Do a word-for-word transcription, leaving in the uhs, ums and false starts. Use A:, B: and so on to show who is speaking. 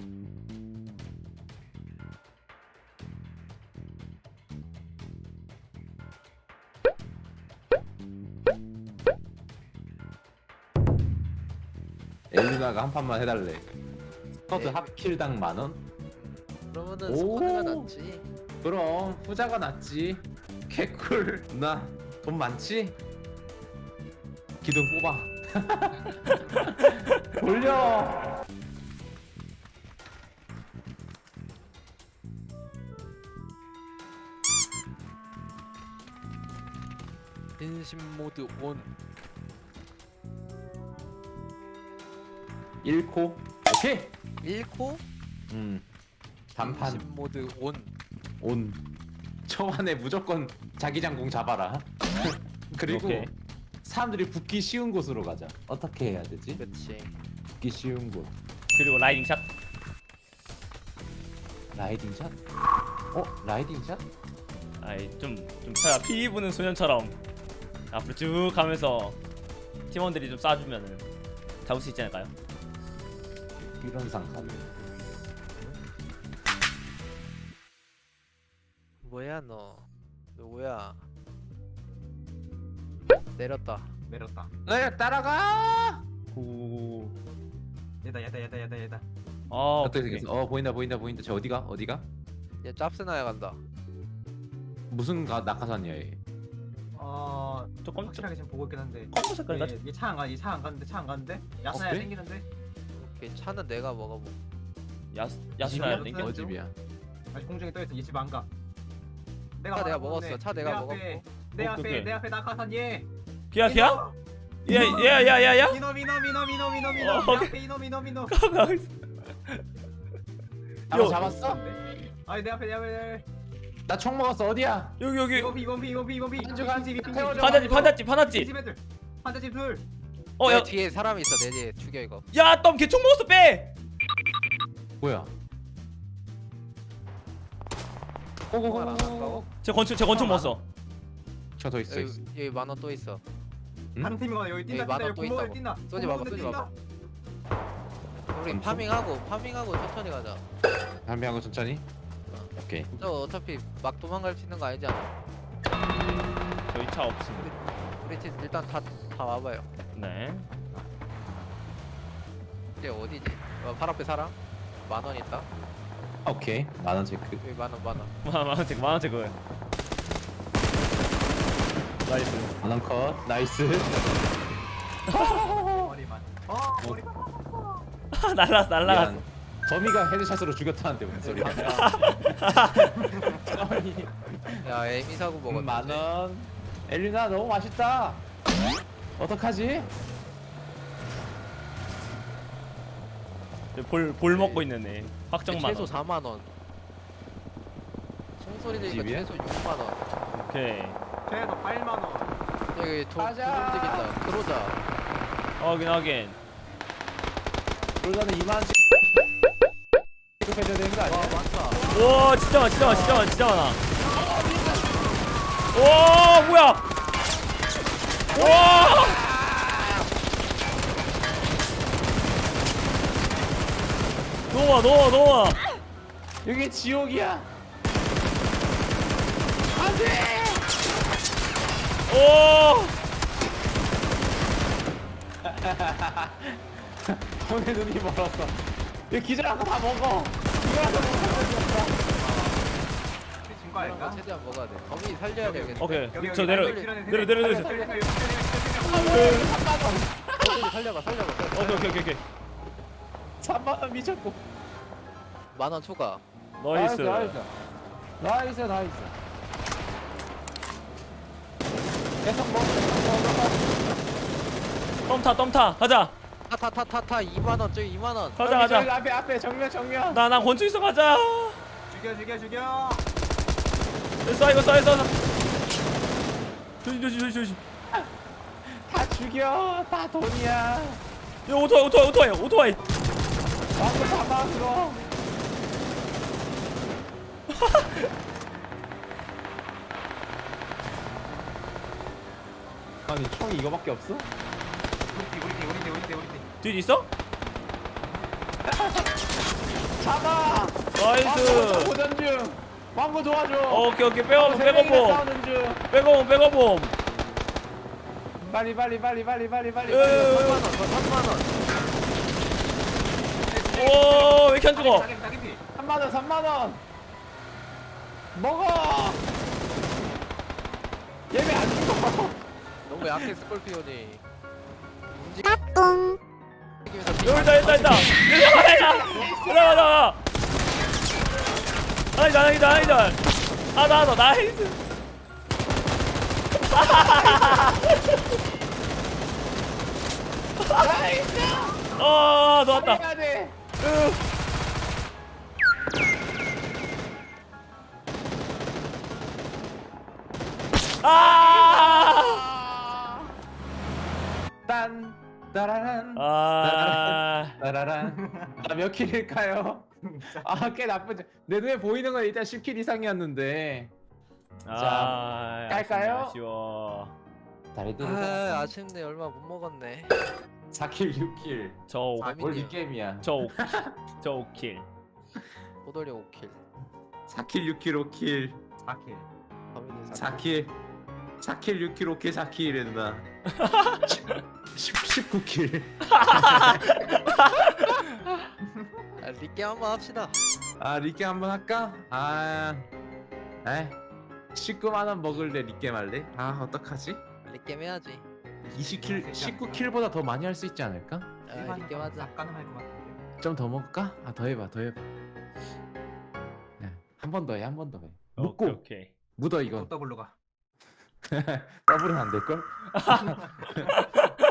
A: 엘루나가 한 판만 해달래. 스쿼드
B: 네.
A: 합킬당 만 원?
B: 그러면은
A: 오.
B: 스쿼드가 낫지.
A: 그럼 후자가 낫지. 개꿀. 나 돈 많지? 기둥 뽑아. 돌려.
B: 인심 모드 온.
A: 일 코. 오케이.
B: 일 코
A: 음. 단판
B: 인심 모드 온.
A: 온. 초반에 무조건 자기장공 잡아라. 그리고
C: 오케이.
A: 사람들이 붙기 쉬운 곳으로 가자. 어떻게 해야 되지?
B: 그렇지.
A: 붙기 쉬운 곳.
C: 그리고 라이딩 샷.
A: 라이딩 샷? 어? 라이딩 샷?
C: 아이 좀좀 차가 피 부는 소년처럼 앞으로 쭉 가면서 팀원들이 좀 쏴주면은 잡을 수 있지 않을까요?
A: 이런 상상이.
B: 뭐야 너? 누구야? 내렸다.
D: 내렸다.
A: 네, 따라가.
C: 오.
D: 얘다 얘다 얘다 얘다 얘다.
C: 아
A: 어떻게
C: 오케이.
A: 생겼어? 어 보인다 보인다 보인다. 저 어디가? 어디가?
B: 얘 짭스나야 간다.
A: 무슨 가, 낙하산이야 얘?
D: 어
C: 저 검-
D: 확실하게 지금 보고 있긴 한데.
C: 검정 색깔 같.
D: 얘차안 가, 얘차 안 가는데 차 안 가는데. 야스나야
A: 그래?
D: 땡기는데.
B: 오케이 차는 내가 먹어보.
C: 야스 야스나야
D: 이거
C: 땡겨.
A: 어 집이야.
D: 아직 공중에 떠 있어. 얘 집 안 가. 내가
B: 차 내가
D: 말한 건데,
B: 먹었어. 차
D: 내
B: 내가
D: 앞에,
B: 먹었고.
D: 내
C: 오케이,
D: 앞에
C: 오케이.
D: 내 앞에 낙하산 얘.
C: 기야 기야? 야야야야야?
D: 이놈 이놈 이놈 이놈 이놈 이놈.
C: 어,
D: 내
C: 오케이.
D: 앞에 이놈 이놈 이놈.
A: 바로
C: 요.
A: 잡았어?
D: 아니 내 앞에 내 앞에.
A: 나 총 먹었어. 어디야?
C: 여기 여기
D: 이번 비 이번 비 이번 비 이번 비.
A: 한쪽 한
D: 빈집 빈집.
A: 태워줘.
C: 판자집 판자집 판자집.
D: 집 애들. 판자집 둘.
B: 내
C: 어야
B: 뒤에 사람이 있어. 내 뒤에 죽여 이거.
C: 야, 덤 개총 먹었어 빼.
A: 뭐야?
B: 총알 안 한다고?
A: 고고고.
C: 제 권총 제 권총 먹었어.
A: 저더 있어 있어.
B: 여기 여기 만원 또 있어.
A: 응?
D: 다른 팀이가 여기 뛴다
B: 여기 만원
D: 뛴다
B: 또
D: 여기 구멍에
B: 있다고.
D: 뛴다.
B: 쏘지
D: 구멍에
B: 마봐, 쏘지
D: 뛴다.
B: 마봐. 우리
A: 엄청?
B: 파밍하고 파밍하고 천천히 가자.
A: 담배하고 천천히. 오케이.
B: 저 어차피 막 도망갈 수 있는 거 아니지 않아?
C: 저희 차 없습니다.
B: 우리 팀 일단 다 다 와봐요.
C: 네.
B: 이제 어디지? 어, 팔 앞에 사람? 만 원 있다.
A: 오케이. 만원 체크.
B: 여기 만 원, 만 원.
C: 만원째 만원째 그거. 나이스.
A: 만원 컷. 나이스.
D: 머리만. 어 머리만.
C: 날라갔어 날라갔어.
A: 미안. 거미가 헤드샷으로 죽였다는데 무슨 소리야?
B: 야, 에미 사고 먹었지.
A: 음, 만원. 엘리나 너무 맛있다. 어떡하지?
C: 볼 볼 먹고 있는 애. 확정 만
B: 최소
C: 원.
B: 사만 원. 총소리 들니까
A: 집이야?
B: 최소 육만 원.
C: 오케이.
D: 최소 팔만 원.
B: 여기 돈
A: 가자.
B: 움직인다. 들어오자.
C: 확인 확인.
A: 그러자는 이만원씩 취급해줘야 되는 거
B: 와,
A: 아니야?
B: 많다.
C: 와 진짜 많아 진짜 많아 진짜 많아 진짜 많아. 와 뭐야? 와. 놓아 놓아 놓아.
A: 여기 지옥이야. 안돼.
C: 오.
A: 손에 눈이 멀었어. 이거 기절하고 다 먹어. 이거라도 먹어.
D: 진거 아닐까?
B: 최대한 먹어야 돼. 거미 살려야 되겠네.
C: 오케이.
D: 여기,
C: 저
D: 여기,
C: 내려
D: 여기, 여기,
C: 내려 내려 내려.
D: 여기, 여기, 여기, 여기, 여기,
B: 거미 살려봐, 살려봐.
C: 오케이 오케이 오케이 오케이.
A: 삼만 원 미쳤고.
B: 만 원 추가.
C: 나이스.
A: 나이스. 나이스 나이스. 계속 먹어. 계속 먹어.
C: 덤타 덤타 가자.
B: 타타타타타 이만 원, 저기 이만 원.
C: 가자
A: 저기, 저기
C: 가자.
A: 앞에 앞에 정면 정면.
C: 나 나 권총 있어 가자.
D: 죽여 죽여 죽여.
C: 쏴 이거 쏴 이거 쏴. 조심 조심 조심 조심.
A: 다 죽여. 다 돈이야.
C: 이거 오토바이 오토바이 오토바이 오토바이.
A: 나도 잡아 그거. 아니 총이 이거밖에 없어?
D: 우리 팀 우리 팀 우리 팀 우리 팀 우리 팀.
C: 뒤에 있어?
A: 잡아.
C: 나이스.
A: 도전 중. 왕구 도와줘.
C: 오케이 오케이 백업
A: 세 명이나
C: 백업봄
A: 싸우는 중.
C: 백업봄 백업봄.
A: 빨리 빨리 빨리 빨리 빨리 빨리.
C: 으.
B: 삼만 원, 더 삼만 원.
C: 오왜 이렇게 안 죽어?
D: 따개비 따개비.
A: 삼만 원 삼만 원. 먹어. 얘왜 안 죽어?
B: 너무 약해 스콜피온이. 움직이.
C: 여기 있다 있다 있다. 여기 있다. 나와 나와. 아니다 아니다 아니다. 하나 더 나이스.
A: 나이스.
C: 어 좋았다.
A: 해야 돼.
C: 아.
A: 딴 따라란
C: 아.
A: 따라란. 나몇 킬일까요? 아 꽤 나쁘지. 내 눈에 보이는 건 일단 십 킬 이상이었는데.
C: 아.
A: 깔까요?
C: 아쉬워.
A: 다리
B: 아 아쉽네. 얼마 못 먹었네.
A: 사 킬 육 킬.
C: 저
B: 아,
A: 뭘 이 게임이야.
C: 저 저 오킬.
B: 호돌이 오 킬.
A: 사 킬 육 킬 오 킬.
D: 사 킬.
B: 범인은
A: 사 킬. 사 킬 육 킬 오 킬 사 킬 이랬나. 십구 킬.
B: 아, 리게 한번 합시다.
A: 아 리게 한번 할까? 아. 에. 십구만 원 먹을래 리게 할래? 아 어떡하지?
B: 리게 해야지.
A: 이십 킬, 십구 킬보다 더 많이 할 수 있지 않을까?
B: 아, 리게 하자.
D: 가능할 것 같은데.
A: 좀 더 먹을까? 아 더 해봐 더 해봐. 한 번 더 해 한 번 더 해. 묶고
C: 오케이 오케이.
A: 묻어
D: 이거
A: 이건.
D: 더블로 가.
A: 더블은 안 될 걸?